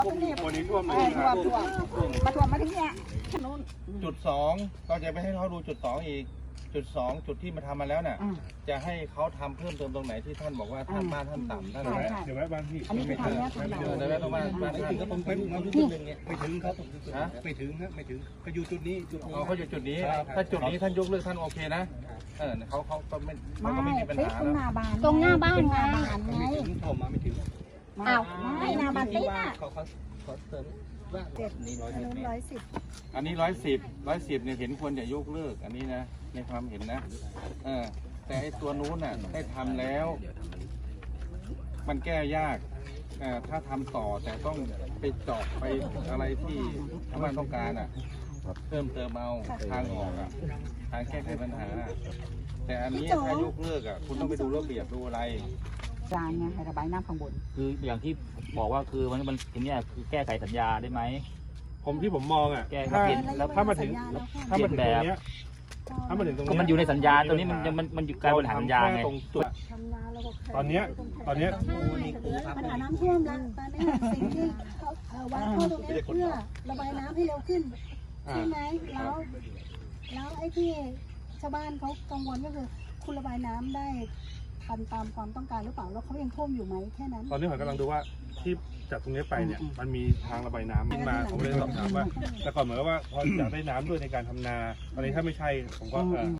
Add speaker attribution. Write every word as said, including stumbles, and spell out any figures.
Speaker 1: วันนี้ท่วมเลย
Speaker 2: ท่วมท่วมมาท่วมมาถึงเนี้ยถนน
Speaker 1: จุดสองเราจะไปให้เขาดูจุดสองอีกจุดสองจุดที่มาทำมาแล้วเนี่ยจะให้เขาทำเพิ่มเติมตรงไหนที่ท่านบอกว่าท่านบ้านท่านต่ำท่านอะไร
Speaker 3: เดี๋ยวแวะบ้านพี่
Speaker 2: อันนี้คือทำแล้วทำ
Speaker 1: เดี๋
Speaker 2: แล้ว
Speaker 1: ยวแวะตรงบ้านบ้านท่าน
Speaker 3: ก็ผมไปมาทุกจุดหนึ่งไงไม่ถึงครับไม่ถึงฮะไม่ถึงก็อยู่จุดนี้จุด
Speaker 1: เอาเขาอยู่จุดนี้ถ้าจุดนี้ท่านยกเลิกท่านโอเคนะเออเขาเขาก็ไม่เขาก็ไม่มีปัญหา
Speaker 2: ตรง
Speaker 1: แล้ว
Speaker 2: หน้าบ้าน
Speaker 4: ตรงหน้าบ้านไง
Speaker 3: ไม่ถึงผมมาไม่ถึง
Speaker 2: อ้าวไม่หน้าบ้านติ๊กอ่ะ
Speaker 3: เขาเขาเขาเติมว่านี่ร้อย
Speaker 2: ถนนร้อยสิบ
Speaker 1: อันนี้ร้อยสิบร้อยสิบเนี่ยเห็นควรจะยกเลิกอันนี้นะในความเห็นนะเออแต่ไอ้ตัวนู้นน่ะได้ทำแล้ว มันแก้ยากเอ่อถ้าทำต่อแต่ต้องไปเจาะไปอะไรที่ชาวบ้านต้องการอ่ะเพิ่มเติมเอาทางออกอ่ะทางแก้ไขปัญหา แต่อันนี้ถ้ายกเลิกอ่ะคุณต้องไปดูระเบียบดูอะไร
Speaker 2: จานไงให้ระบายน้ำข้างบน
Speaker 5: คืออย่างที่บอกว่าคือมันมันทีเนี้ยคือแก้ไขสัญญาได้ไหม
Speaker 6: ผมที่ผมมองอ่ะ
Speaker 5: แก้
Speaker 6: ถ้า
Speaker 5: เปลี่ยน
Speaker 6: แล้วถ้ามาถึงถ้ามาถึงตรงเนี้ยถ้ามาถึงตรง
Speaker 5: ก็
Speaker 6: เนี้ย
Speaker 5: มันอยู่ในสัญญาตัวนี้มันยังมันมันอยู่การบริหารสัญญาไง
Speaker 6: ตรงจุดตอนเนี้ยตอนเนี้ย
Speaker 7: ปัญหาน้ำท่วมแล้วตอนนี้สิ่งที่เขาเอ่อวางท่อตรงนี้เพื่อระบายน้ำให้เร็วขึ้นใช่ไหมแล้วแล้วไอ้ที่ชาวบ้านเขากังวลก็คือคุณระบายน้ำได้ทันตามความต้องการหรือเปล่าแล้วเขายังท่วมอยู่ไหมแค่นั้น
Speaker 6: ตอนนี้ผมกำลังดูว่าที่จากตรงนี้ไปเนี่ยมันมีทางระบายน้ำขึ้นมาผมเลยสอบถามว่าแต่ก่อนเหมือนกับว่าพออยากได้น้ำด้วยในการทำนาตอนนี้ถ้าไม่ใช่ผมก็เออ